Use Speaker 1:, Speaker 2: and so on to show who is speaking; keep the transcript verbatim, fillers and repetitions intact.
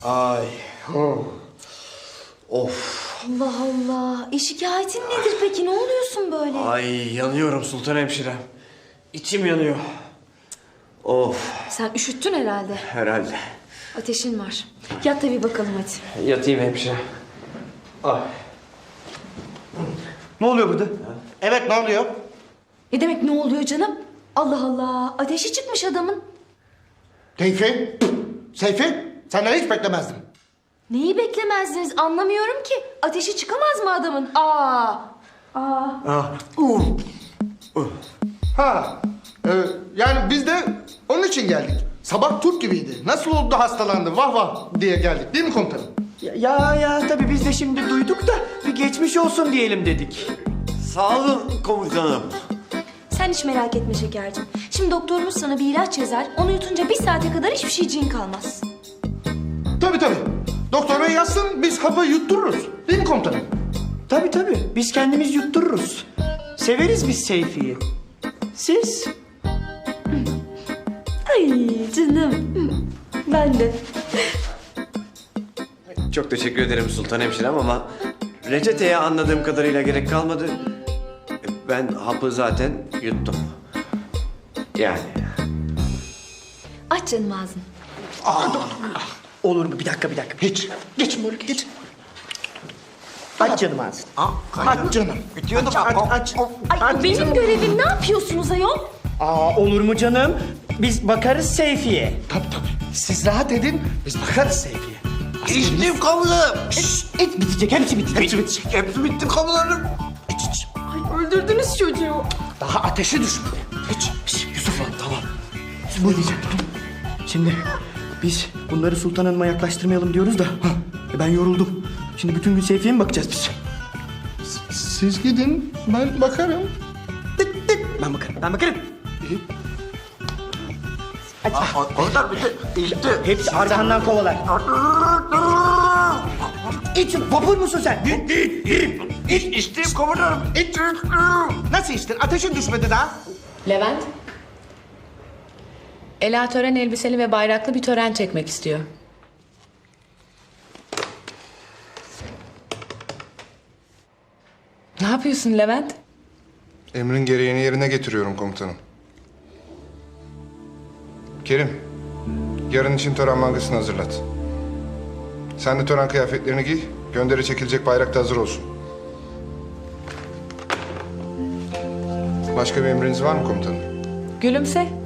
Speaker 1: Ay. Oh. Of.
Speaker 2: Allah Allah. E şikayetin nedir peki? Ne oluyorsun böyle?
Speaker 1: Ay yanıyorum Sultan Hemşirem. İçim yanıyor. Of.
Speaker 2: Sen üşüttün herhalde.
Speaker 1: Herhalde.
Speaker 2: Ateşin var. Yat da bir bakalım hadi.
Speaker 1: Yatayım hemşire. Ay.
Speaker 3: Ne oluyor burada? Evet, ne oluyor?
Speaker 2: Ne demek ne oluyor canım? Allah Allah. Ateşi çıkmış adamın.
Speaker 3: Seyfi, Seyfi, senden hiç beklemezdim.
Speaker 2: Neyi beklemezdiniz anlamıyorum ki. Ateşi çıkamaz mı adamın? Aa. Aa.
Speaker 3: Ah, uh, uh. Ha, e, yani biz de onun için geldik. Sabah Türk gibiydi. Nasıl oldu da hastalandı, vah vah diye geldik değil mi komutanım?
Speaker 4: Ya ya, ya tabii biz de şimdi duyduk da bir geçmiş olsun diyelim dedik.
Speaker 1: Sağ olun komutanım.
Speaker 2: Sen hiç merak etme şekercim. Şimdi doktorumuz sana bir ilaç yazar. Onu yutunca bir saate kadar hiçbir şeyciğin kalmaz.
Speaker 3: Tabii tabii. Doktor bey yazsın, biz hapı yuttururuz. Değil mi komutanım?
Speaker 4: Tabii tabii biz kendimiz yuttururuz. Severiz biz Seyfi'yi. Siz?
Speaker 2: Ay canım. Ben de.
Speaker 1: Çok teşekkür ederim Sultan Hemşirem ama reçeteye anladığım kadarıyla gerek kalmadı. Ben hapı zaten yuttum. Yani.
Speaker 2: Aç canım ağzını.
Speaker 4: Olur mu? Bir dakika bir dakika.
Speaker 3: Hiç. Geçin böyle, geçin.
Speaker 4: Aç canım ağzını.
Speaker 3: Aç canım.
Speaker 1: Bitiyordu
Speaker 4: Aç aç.
Speaker 2: Ay benim görevim. Ne yapıyorsunuz ayol?
Speaker 4: Aa, olur mu canım? Biz bakarız Seyfi'ye.
Speaker 3: Tabii tabii. Siz rahat edin, biz bakarız Seyfi'ye.
Speaker 1: İçtim komutanım.
Speaker 4: Et bitecek, hepsi bitecek.
Speaker 3: Hepsi bitecek.
Speaker 1: Hepsi bitti komutanım.
Speaker 3: İç iç.
Speaker 2: Ay öldürdünüz çocuğu.
Speaker 3: Daha ateşi düşmedi. İç. Şş, Yusuf'la tamam.
Speaker 4: Ne diyeceğim? Şimdi biz bunları Sultan Hanım'a yaklaştırmayalım diyoruz da e, ben yoruldum. Şimdi bütün gün Seyfi'ye mi bakacağız biz?
Speaker 3: Siz gidin, ben bakarım.
Speaker 4: Tıt tıt. Ben bakarım, ben bakarım.
Speaker 1: Komutanım bitti. İçti.
Speaker 4: Hepsi arkandan kovalar. İç, vapur musun sen?
Speaker 1: İç, içtim komutanım.
Speaker 3: İç. Nasıl içtin? Ateşin düşmedi daha.
Speaker 5: Levent. Ela tören elbiseli ve bayraklı bir tören çekmek istiyor. Ne yapıyorsun Levent?
Speaker 6: Emrin gereğini yerine getiriyorum komutanım. Kerim, yarın için tören mangasını hazırlat. Sen de tören kıyafetlerini giy, gönderi çekilecek bayrak da hazır olsun. Başka bir emriniz var mı komutanım?
Speaker 5: Gülümse.